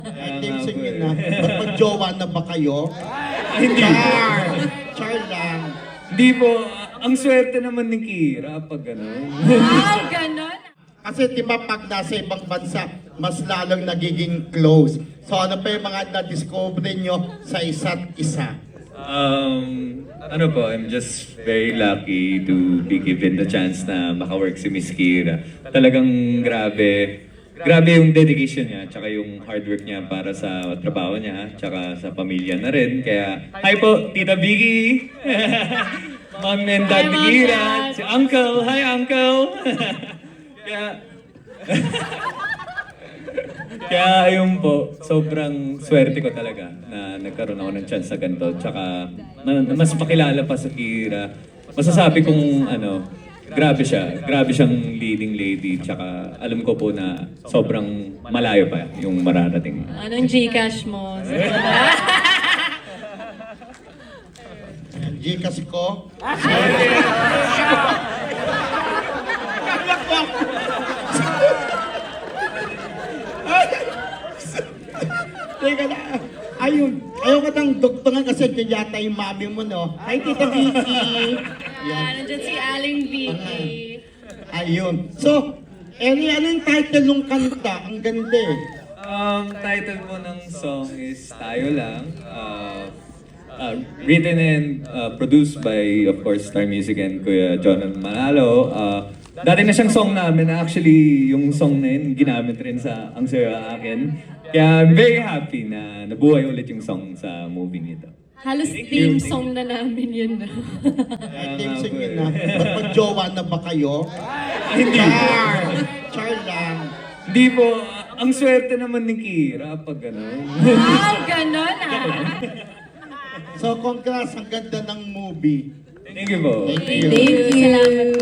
Team singin na. Magjowa na ba kayo? Hindi. Char lang. Hindi po. Ang swerte naman ni Kira pag gano'n. Wow, ganon. Kasi di ba pag nasa ibang bansa, mas lalong nagiging close. So ano pa yung mga na-discover nyo sa isa't isa? Ano po, I'm just very lucky to be given the chance na makawork si Miss Kira. Talagang grabe. Grabe yung dedication niya, tsaka yung hard work niya para sa trabaho niya, tsaka sa pamilya na rin. Kaya, hi po, Tita Vicky! Mom and Dad ni Kira, si Uncle, hi Uncle! Kaya ayun po, sobrang swerte ko talaga na nagkaroon ako ng chance sa ganito. Tsaka mas pakilala pa sa Kira. Masasabi kong grabe siya. Grabe siyang leading lady. Tsaka alam ko po na sobrang malayo pa yung mararating. Anong Gcash mo? Gcash ko? Teka na. Ayun. Ayaw ka ng doktoran kasi dyan yata yung mami mo, no? Hi, Tita Vicky. Nandiyan si Aling Vicky. Ayun. So, ano yung title ng kanta? Ang ganda eh. Title po ng song is Tayo Lang. Written and produced by, of course, Star Music and Kuya John Manalo. Dati na siyang song namin. Actually, yung song na yun, ginamit rin sa Ang Saya Akin. Kaya I'm very happy na nabuhay ulit yung song sa movie nito. Halos theme song na namin yun. Team singin na. Magjowa na ba kayo? Hindi. Char lang. Hindi po. Ang swerte naman ni Kira pag gano'n. Wow, ganon So, congrats. Ang ganda ng movie. Thank you po. Thank you. Thank you. Salamat.